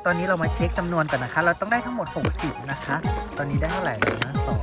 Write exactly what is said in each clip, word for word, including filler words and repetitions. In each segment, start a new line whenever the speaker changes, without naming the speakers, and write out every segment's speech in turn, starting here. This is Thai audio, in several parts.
ตอนนี้เรามาเช็คจำนวนก่อนนะคะเราต้องได้ทั้งหมดหกสิบนะคะตอนนี้ได้เท่าไหร่แล้วนะสอง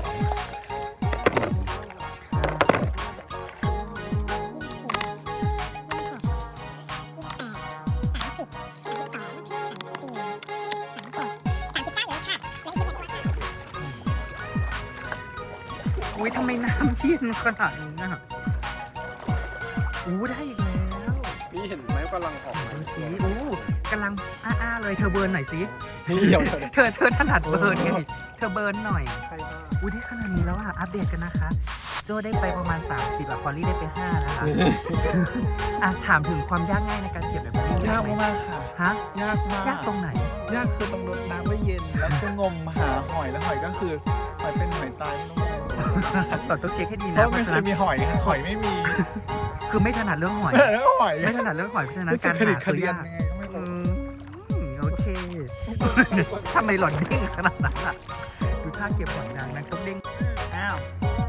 อุ้ยทำไมน้ำเย็นขนาดนี้นะอู้ได้อีกแล้ว
นี่เห็นไหมกำลังออกมา
ดูสิอู้กำลังอ้าๆเลยเธอเบิร์นหน่อยสิ
เดี๋ยว
เธอเธอถนัดเบิร์นไงเธอเบิร์นหน่อย
ใครบ้าง
อุ้ยได้ขนาดนี้แล้วอ่ะอัปเดตกันนะคะโจได้ไปประมาณสามสิบอ่ะพอลลี่ได้ไปห้านะคะอ่ะถามถึงความยากง่ายในการเก็บแบบนี้
ยาก
ไหม
มากค่ะ
ฮะ
ยากมาก
ยากตรงไหน
ยากคือต้องรดน้ำไว้เย็น แล้วก็งมหาหอยแล้วหอยก็คือหอยเป็นหอยตายไม่ต้องงม
ต่อต้องเช็คให้ดี
เพ
นะ
ราะ
เพ
ไม่
ราะ
เค
ฉะนั้
ย
น
มีหอยค่ะหอยไม่มี
คือไม่ถนัดเรื่องหอย
แล้วหอย
ไม่ถนัดเรื่องหอยเพราะฉะนั้น
รู้สึ
การ
ขดิ
หา
ดข
คือ
เดียน
ยาก
ยังไงก็ไม่
อื
รู้
มโอเคทำไมหล่อนเด้งขนาดนั้นอ่ะดูท่าเก็บหอยนางนางต้องเด้งอ้าว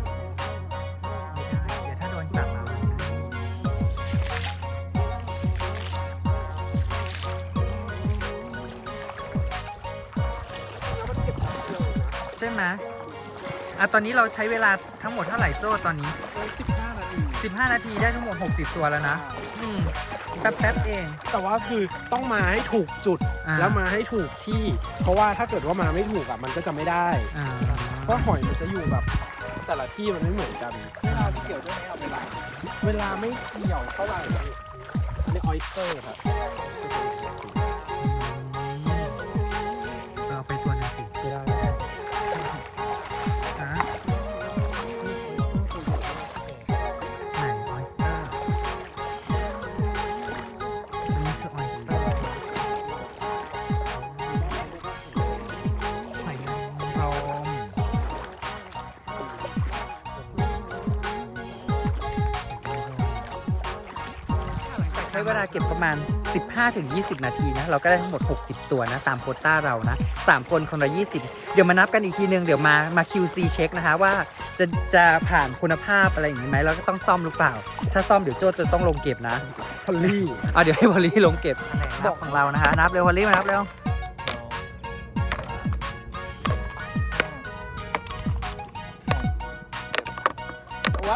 ไม่ได้เดี๋ยวถ้าโดนจับมาใช่ไหมอ่ะตอนนี้เราใช้เวลาทั้งหมดเท่าไหร่โจ้ตอนนี้
สิบห้านาที
สิบห้านาทีได้ทั้งหมดหกสิบตัวแล้วนะอืมแป๊บๆเอง
แต่ว่าคือต้องมาให้ถูกจุด
อ่า
แล้วมาให้ถูกที่ เพราะว่าถ้าเกิดว่ามาไม่ถูกอ่ะมันก็จะไม่ได้
อ่า
เพราะหอยมันจะอยู่แบบ แต่ละที่มันไม่เหมือนกัน
เวลาเกี่ยวด้วยไหมเอาเวลา
เวลาไม่เกี่ยวเท่าไหร่อันนี้ออยสเตอร์ครับ
เอาไปตัวหนึงสิ
ไม่ได้
ฮะไหนออยสเตอร์อันนี้คือออยสเตอร์หอยนางรมใช้เวลาเก็บประมาณ สิบห้าถึงยี่สิบ นาทีนะ เราก็ได้ทั้งหมด หกสิบ ตัวนะ ตามโควต้าเรานะ สาม คนคนละ ยี่สิบ เดี๋ยวมานับกันอีกทีนึง เดี๋ยวมา มา คิว ซี เช็คนะคะว่าจะจะผ่านคุณภาพอะไรอย่างนี้ไหมเราก็ต้องซ่อมหรือเปล่า ถ้าซ่อมเดี๋ยวโจ้จะต้องลงเก็บนะ
พอลลี่
อ่ะเดี๋ยวให้พอลลี่ลงเก็บบอกของเรานะคะ นับเร็วพอลลี่มานับเร็ว
ว้าย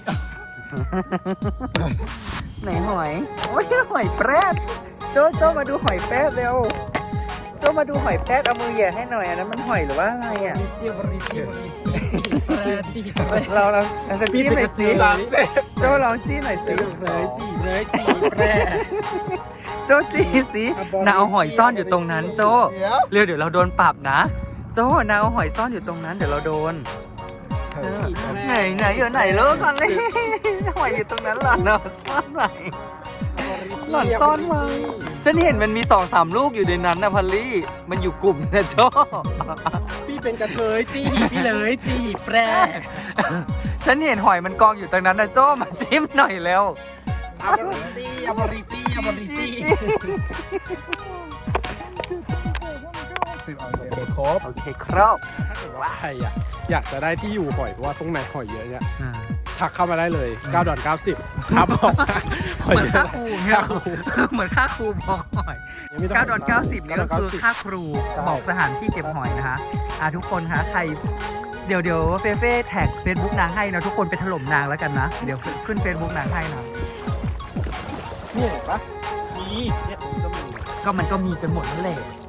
ไหนหอย โอ้ยหอยแปรดโจโจมาดูหอยแปรดเร็ว โจมาดูหอยแปรดเอามือแหย่ให้หน่อยอันนั้นมันหอยหรือว่าอะไรอ่ะ
ริจิบริจิบริจิแปรจิแปร
เราเราเราจะจิ้มหน่อยสิ
ตามเสร็จ
โจลองจิ้มหน่อยสิ
เลยจิเลยจิแปร
โจจี้สินางเอาหอยซ่อนอยู่ตรงนั้น โจ
เดี๋ยว
เร็วเดี๋ยวเราโดนปรับนะ โจนางเอาหอยซ่อนอยู่ตรงนั้นเดี๋ยวเราโดนไหนไหนอยู่ไหนเลิกก่อนเลยหอยอยู่ตรงนั้นหล่อนเอาซ่อนไว้หล่อนซ่อนไว้ฉันเห็นมันมีสองสามลูกอยู่ในนั้นนะพอลลี่มันอยู่กลุ่มนะโจ
พี่เป็นกระเทยจีพี่เลยจีแปร
ฉันเห็นหอยมันกองอยู่ตรงนั้นนะโจมาจิ้มหน่อยแล้ว
อับริจีอับริจีอับริจี
สิบเอาเสร็จ
โอเคครบ
โอเคครบ
ถ้าเกิดว่าใครอ่ะอยากจะได้ที่อยู่หอยเพราะว่าตรงไหนหอยเยอะเนี่ย
อ่า
ทักเข้ามาได้เลยเก้าดอนเก้าสิบครับผม
เหมือนค่าครูเนี่ย
ค่าครู
เหมือนค่าครูบอกหอย
ยังไม่ต้ง
เก้าดอลเก้าสิบนี่ก็คือค่าครู
ใช่
บอกสถานที่เก็บหอยนะคะอ่ะทุกคนคะใครเดี๋ยวเดี๋ยวเฟเฟ่แท็กเฟซบุ๊กนางให้นะทุกคนไปถล่มนางแล้วกันนะ เดี๋ยวขึ้นเฟซบุ๊กนางให้นะ
เนี่ยเห็นปะมีเนี่ยผมก็มี
ก็มันก็มีกันหมดนั่นแหละ